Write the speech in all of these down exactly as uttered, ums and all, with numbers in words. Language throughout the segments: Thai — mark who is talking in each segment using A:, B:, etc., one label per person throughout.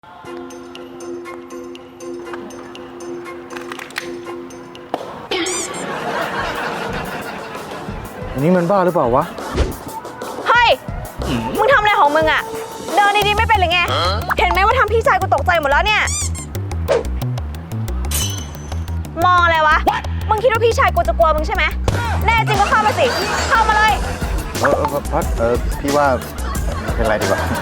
A: นี่มันบ้าหรือเปล่าวะ
B: เฮ้ยมึงทำอะไรของมึงอะเดินดีๆไม่เป็นหรือไงเห็นไหมว่าทำพี่ชายกูตกใจหมดแล้วเนี่ยมองอะไรวะมึงคิดว่าพี่ชายกูจะกลัวมึงใช่ไหมแน่จริงก็เข้ามาสิเข้ามาเลย
A: เออเออพัดเออพี่ว่าไม่เป็นไรดีกว่า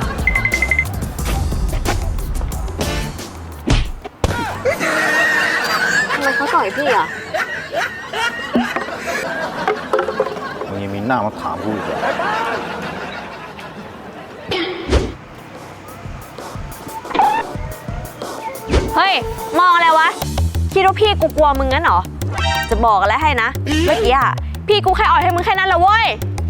B: ทำไมเขาต่อยพี่อะ
A: มึงยังมีหน้ามาถามกูอีกเหรอ
B: เฮ้ยมองอะไรวะคิดว่าพี่กูกลัวมึงงั้นเหรอจะบอกอะไรให้นะเมื่อกี้อะพี่กูแค่อ่อยให้มึงแค่นั้นแหละเว้ย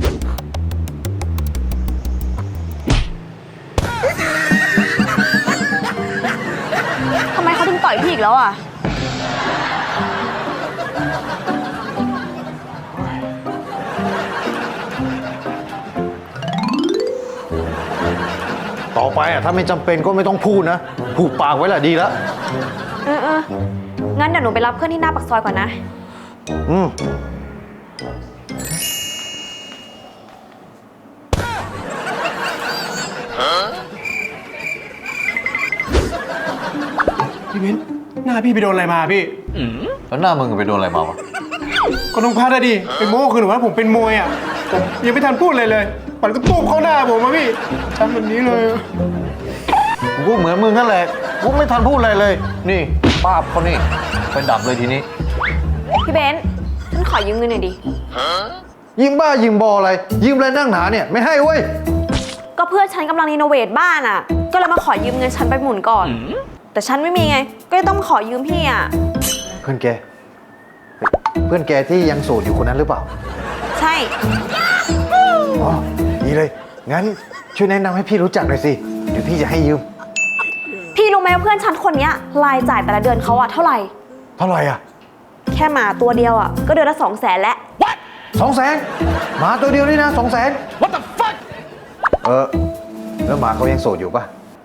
B: ทำไมเขาถึงต่อยพี่อีกแล้วอะ
A: ต่อไปอ่ะถ้าไม่จำเป็นก็ไม่ต้องพูดนะผูกปากไว้แหละดีแล้ว
B: เออเอองั้นเดี๋ยวหนูไปรับเพื่อนที่หน้าปากซอยก่อนนะ
A: อืม
C: พี่มิ้นหน้าพี่ไปโดนอะไรมาพี่
A: แล้วหน้ามึงไปโดนอะไรมาวะ
C: ก็น้องพัดอะดิไปโม้คือหนูว่าผมเป็นมวยอ่ะผมยังไม่ทันพูดเลยเลยปัดก็ตุ้มเข้าหน้าผมมาพี่ทำแบบนี้เลย
A: กูก็เหมือนมึงนั่นแหละกูไม่ทันพูดอะไรเลยนี่ป้าบเขานี่ไปดับเลยทีนี้
B: พี่เบนซ์ฉันขอยืมเงินหน่อยดิ
A: ยิงบ้ายิงบออะไรยิงอะไรนั่งหนาเนี่ยไม่ให้เว้ย
B: ก็เพื่อนฉันกำลังรีโนเวทบ้านอ่ะก็เลยมาขอยืมเงินฉันไปหมุนก่อนแต่ฉันไม่มีไงก็เลยต้องขอยืมพี่อ่ะ
A: เพื่อนแกเพื่อนแกที่ยังโสดอยู่คนนั้นหรือเปล่า
B: ใช่
A: อ๋อดีเลยงั้นช่วยแนะนำให้พี่รู้จักหน่อยสิเดี๋ยวพี่จะให้ยืม
B: พี่รู้ไหมว่าเพื่อนฉันคนนี้รายจ่ายแต่ละเดือนเขาอะเท่าไหร่
A: เท่าไหร่อ่ะ
B: แค่หมาตัวเดียวอะก็เดือนละสองแสนแล้ว
A: สองแสนหมาตัวเดียวนี่นะสองแสน What the fuck เออแล้วหมาเขายังโสดอยู่ปะ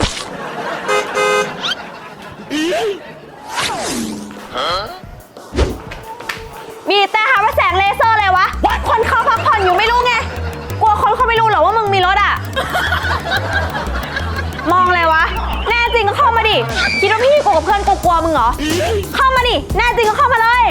B: มีแต่หาว่าแสงเลเซอร์เลยวะคนเขาพักผ่อนอยู่ไม่รู้ไงกลัวคนเขาไม่รู้เหรอว่ามึงมีรถอะมองเลยวะแน่จริงก็เข้ามาดิคิดว่าพี่กูกับเพื่อนกูกลัวมึงเหรอเข้ามาดิแน่จริงก็เข้ามาเลย